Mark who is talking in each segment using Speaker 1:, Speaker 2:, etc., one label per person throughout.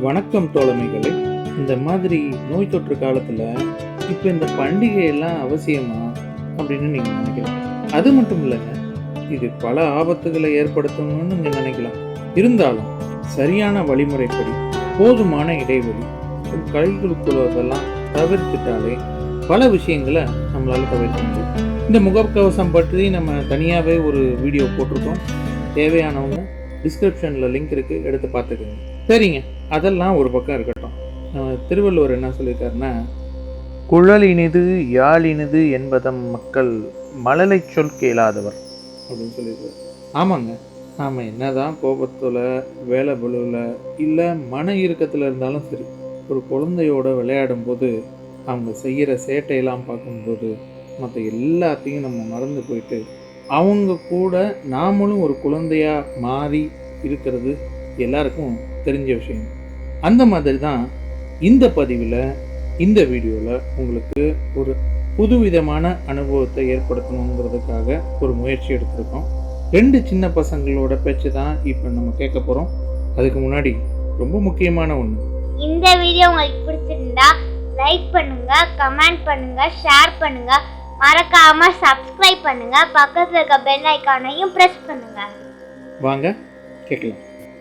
Speaker 1: வணக்கம் தோழமைகளே. இந்த மாதிரி நோய் தொற்று காலத்தில் இப்போ இந்த பண்டிகையெல்லாம் அவசியமா அப்படின்னு நீங்கள் நினைக்கலாம். அது மட்டும் இல்லைங்க, இது பல ஆபத்துகளை ஏற்படுத்தணும்னு நீங்கள் நினைக்கலாம். இருந்தாலும் சரியான வழிமுறைப்படி போதுமான இடைவெளி கைகளுக்குள்ளதெல்லாம் தவிர்த்துட்டாலே பல விஷயங்களை நம்மளால் தவிர்க்க முடியும். இந்த முகக்கவசம் பற்றி நம்ம தனியாகவே ஒரு வீடியோ போட்டிருக்கோம். தேவையானவங்க டிஸ்கிரிப்ஷனில் லிங்க் இருக்குது, எடுத்து பார்த்துக்கோங்க. சரிங்க, அதெல்லாம் ஒரு பக்கம் இருக்கட்டும். திருவள்ளுவர் என்ன சொல்லியிருக்காருன்னா, குழல் இனிது யாழ் இனிது என்பதம் மக்கள் மழலை சொல் கேளாதவர் அப்படின்னு சொல்லியிருக்காரு. ஆமாங்க, நாம் என்னதான் கோபத்தில், வேலை பலுவில் இல்லை மன இறுக்கத்தில் இருந்தாலும் சரி, ஒரு குழந்தையோட விளையாடும் போது அவங்க செய்கிற சேட்டையெல்லாம் பார்க்கும்போது மற்ற எல்லாத்தையும் நம்ம மறந்து போயிட்டு அவங்க கூட நாமளும் ஒரு குழந்தையாக மாறி இருக்கிறது எல்லாருக்கும் தெரிஞ்ச விஷயம். அந்த மாதிரி தான் இந்த பதிவில், இந்த வீடியோவில் உங்களுக்கு ஒரு புதுவிதமான அனுபவத்தை ஏற்படுத்தணுங்கிறதுக்காக ஒரு முயற்சி எடுத்திருக்கோம். 2 சின்ன பசங்களோட பேச்சு தான் இப்போ நம்ம கேட்க போகிறோம். அதுக்கு முன்னாடி ரொம்ப முக்கியமான ஒன்று,
Speaker 2: இந்த வீடியோ உங்களுக்கு பிடிச்சிருந்தா லைக் பண்ணுங்க, கமெண்ட் பண்ணுங்க, ஷேர் பண்ணுங்க, மறக்காம சப்ஸ்கிரைப் பண்ணுங்க, பக்கத்துல இருக்க பெல் ஐகானையும் பிரஸ் பண்ணுங்க.
Speaker 1: வாங்க கேட்கலாம்.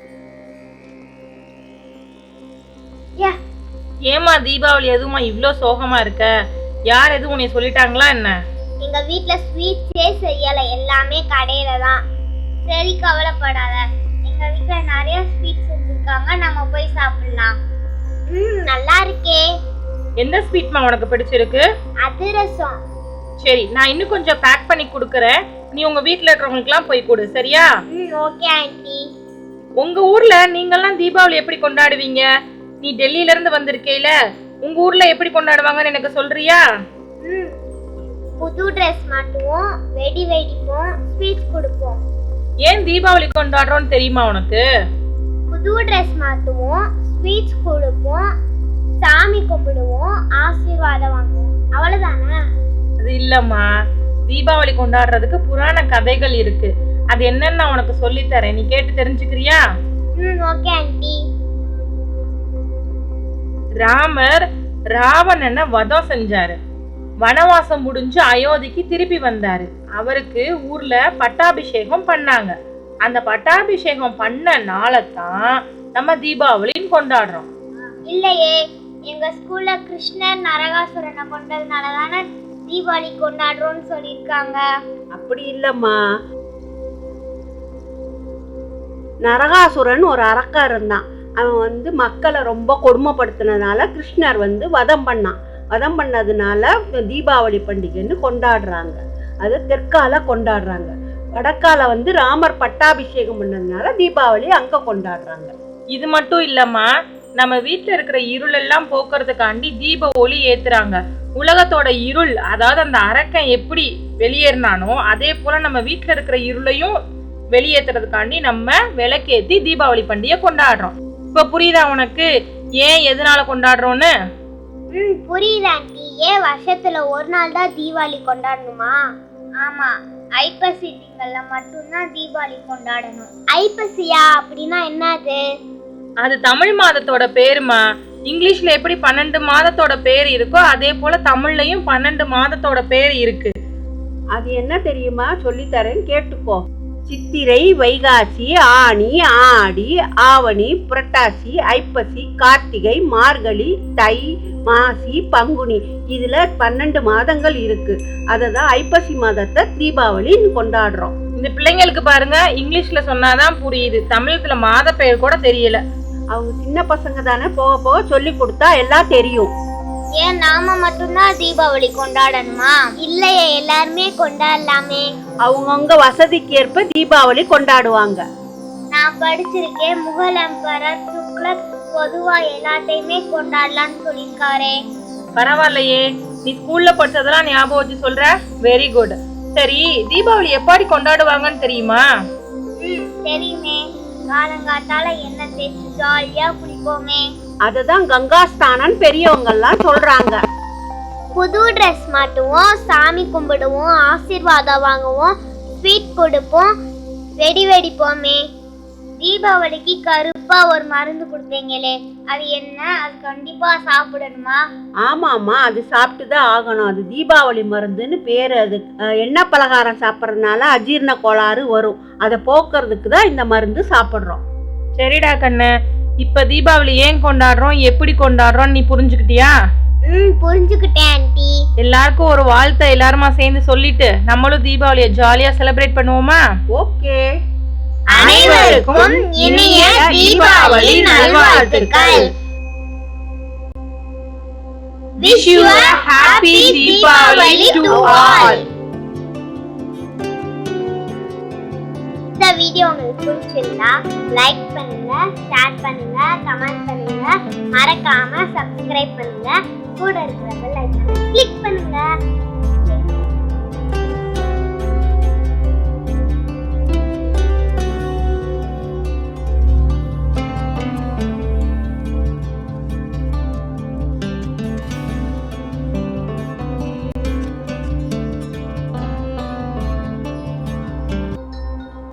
Speaker 3: ஏமா தீபாவளி எதுவுமா இவ்ளோ சோகமா இருக்க? யார் எதுவும் உன்னை சொல்லிட்டாங்களா என்ன?
Speaker 2: எங்க வீட்ல ஸ்வீட்ஸே செய்யல, எல்லாமே கடையில தான். சரி, கவலைப்படாத. எங்க வீட்ல நிறைய ஸ்வீட்ஸ் செஞ்சிருக்காங்க, நம்ம போய் சாப்பிடலாம். நல்லா இருக்கே.
Speaker 3: எந்த ஸ்வீட்மா உனக்கு பிடிச்சிருக்கு?
Speaker 2: அதிரசம்.
Speaker 3: சரி, நான் இன்னும் கொஞ்சம் பேக் பண்ணி கொடுக்கறேன். நீ உங்க வீட்ல இருக்கிறவங்களுக்குலாம் போய் கொடு, சரியா?
Speaker 2: Okay aunty.
Speaker 3: உங்க ஊர்ல நீங்கெல்லாம் தீபாவளி எப்படி கொண்டாடுவீங்க? நீ டெல்லியில இருந்து வந்திருக்கேல, உங்க ஊர்ல எப்படி கொண்டாடுவாங்கன்னு எனக்கு சொல்றியா?
Speaker 2: புது ட்ரெஸ் மாட்டுவோம், வெடி வெடிப்போம், ஸ்வீட்ஸ் கொடுப்போம்.
Speaker 3: ஏன் தீபாவளி கொண்டாடுறோம்னு தெரியுமா உனக்கு?
Speaker 2: புது ட்ரெஸ் மாட்டுவோம், ஸ்வீட்ஸ் கொடுப்போம், சாமி கும்பிடுவோம், ஆசீர்வாதம் வாங்குவோம். அவ்வளவுதானே?
Speaker 3: அது இல்லம்மா, தீபாவளி கொண்டாடுறதுக்கு புராண கதைகள் இருக்கு. அது என்னன்னு நான் உனக்கு சொல்லி தரேன், நீ கேட்டு தெரிஞ்சுக்கிறியா?
Speaker 2: Okay aunty.
Speaker 3: ராமர் ராவணனை வதம் செஞ்சாரு. வனவாசம் முடிஞ்சு அயோத்திக்கு திருப்பி வந்தாரு. அவருக்கு ஊர்ல பட்டாபிஷேகம் பண்ணாங்க. அந்த பட்டாபிஷேகம் பண்ண நாளைத்தான் நம்ம தீபாவளின்னு கொண்டாடுறோம்.
Speaker 2: இல்லையே, எங்க ஸ்கூல்ல கிருஷ்ணர் நரகாசுரனை கொண்டதுனால தானே தீபாவளி கொண்டாடுறோம்னு சொல்லியிருக்காங்க.
Speaker 4: அப்படி இல்லம்மா, நரகாசுரன் ஒரு அரக்கன் இருந்தான். அவன் மக்களை ரொம்ப கொடுமைப்படுத்தினதுனால கிருஷ்ணர் வதம் பண்ணான். வதம் பண்ணதுனால தீபாவளி பண்டிகைன்னு கொண்டாடுறாங்க. அது தெற்கால கொண்டாடுறாங்க. வடக்கால ராமர் பட்டாபிஷேகம் பண்ணதுனால தீபாவளி அங்க கொண்டாடுறாங்க.
Speaker 3: இது மட்டும் இல்லம்மா, நம்ம வீட்டுல இருக்கிற இருள் எல்லாம் போக்குறதுக்காண்டி தீப ஒளி ஏத்துறாங்க. உலகத்தோட இருள், அதாவது அந்த அரக்கன் எப்படி வெளியேறினானோ அதே போல நம்ம வீட்டுல இருக்கிற இருளையும் வெளியேற்றுறதுக்காண்டி நம்ம விளக்கேத்தி தீபாவளி பண்டிகை கொண்டாடுறோம். இப்ப புரியுதா உனக்கு ஏன் எதனால கொண்டாடுறோம்னு?
Speaker 2: புரியுது ஆண்டி. ஏன் வருஷத்துல ஒரு நாள் தான் தீபாவளி கொண்டாடணுமா? ஆமா, ஐப்பசி திங்கள்ல மட்டும்தான் தீபாவளி கொண்டாடணும். ஐப்பசியா அப்படின்னா என்னது?
Speaker 3: அது தமிழ் மாதத்தோட பேருமா. இங்கிலீஷ்ல எப்படி 12 மாதத்தோட பேர் இருக்கோ அதே போல தமிழ்லயும் 12 மாதத்தோட பேர் இருக்கு.
Speaker 4: அது என்ன தெரியுமா? சொல்லித்தரேன், கேட்டுக்கோ. சித்திரை, வைகாசி, ஆனி, ஆடி, ஆவணி, புரட்டாசி, ஐப்பசி, கார்த்திகை, மார்கழி, தை, மாசி, பங்குனி. இதுல 12 மாதங்கள் இருக்கு. அததான் ஐப்பசி மாதத்தை தீபாவளின்னு கொண்டாடுறோம்.
Speaker 3: இந்த பிள்ளைங்களுக்கு பாருங்க, இங்கிலீஷ்ல சொன்னாதான் புரியுது, தமிழ்ல மாத பெயர் கூட தெரியல.
Speaker 4: அவங்க சின்ன பசங்க தானே, போக போக சொல்லி கொடுத்தா எல்லாம் தெரியும்.
Speaker 2: ஏன் நாம மட்டும்தான் தீபாவளி கொண்டாடணுமா? இல்லையே, எல்லாருமே கொண்டாடலாமே.
Speaker 4: அவங்கவுங்க வசதிக்கு ஏற்ப தீபாவளி கொண்டாடுவாங்க.
Speaker 2: நான் படிச்சிருக்கேன், முகல் எம்பரர் துக்ளக் பொதுவா எல்லாத்தையுமே கொண்டாடலாம்னு சொல்லியிருக்காரே.
Speaker 3: பரவாயில்லையே, நீ ஸ்கூல்ல படிச்சதெல்லாம் ஞாபகம் வச்சு சொல்ற. Very good. சரி, தீபாவளி எப்படி கொண்டாடுவாங்கன்னு தெரியுமா?
Speaker 2: தெரியுமே. காலங்காத்தால எண்ணெய் தேய்ச்சி ஜாலியா குளிப்போமே.
Speaker 4: அததான் கங்காஸ்தானன் பெரியவங்க எல்லாம் சொல்றாங்க.
Speaker 2: புது ட்ரெஸ் மாட்டுவோம், சாமி கும்பிடுவோம், ஆசீர்வாதம் வாங்குவோம், ஸ்வீட் கொடுப்போம், வெடி வெடிப்போமே. தீபாவளிக்கு கருப்பா ஒரு மருந்து கொடுத்தீங்களே, அது என்ன? அது கண்டிப்பா சாப்பிடணுமா?
Speaker 4: ஆமாம்மா, அது சாப்பிட்டு தான் ஆகணும். அது தீபாவளி மருந்துன்னு பேர். அது எண்ணெய் பலகாரம் சாப்பிட்றதுனால அஜீரண கோளாறு வரும். அதை போக்குறதுக்கு தான் இந்த மருந்து சாப்பிட்றோம்.
Speaker 3: சரிடா கண்ணு, இப்ப தீபாவளி ஏன் கொண்டாடுறோம், எப்படி கொண்டாடுறோம் நீ புரிஞ்சுக்கிட்டியா?
Speaker 2: புரிஞ்சுக்கிட்டேன் ஆண்டி.
Speaker 3: எல்லாருக்கும் ஒரு வாழ்த்தை எல்லாருமா சேர்ந்து சொல்லிட்டு நம்மளும் தீபாவளியை ஜாலியா செலிப்ரேட் பண்ணுவோமா?
Speaker 4: ஓகே.
Speaker 2: அனைவருக்கும் இனிய தீபாவளி நல்வாழ்த்துக்கள்.
Speaker 3: Wish you a happy Deepavali to all.
Speaker 2: இந்த வீடியோ உங்களுக்கு பிடிச்சிருந்தா லைக் பண்ணுங்க, ஷேர் பண்ணுங்க, கமெண்ட் பண்ணுங்க, மறக்காம சப்ஸ்கிரைப் பண்ணுங்க, கூட இருக்கிற பெல் ஐகானை கிளிக் பண்ணுங்க.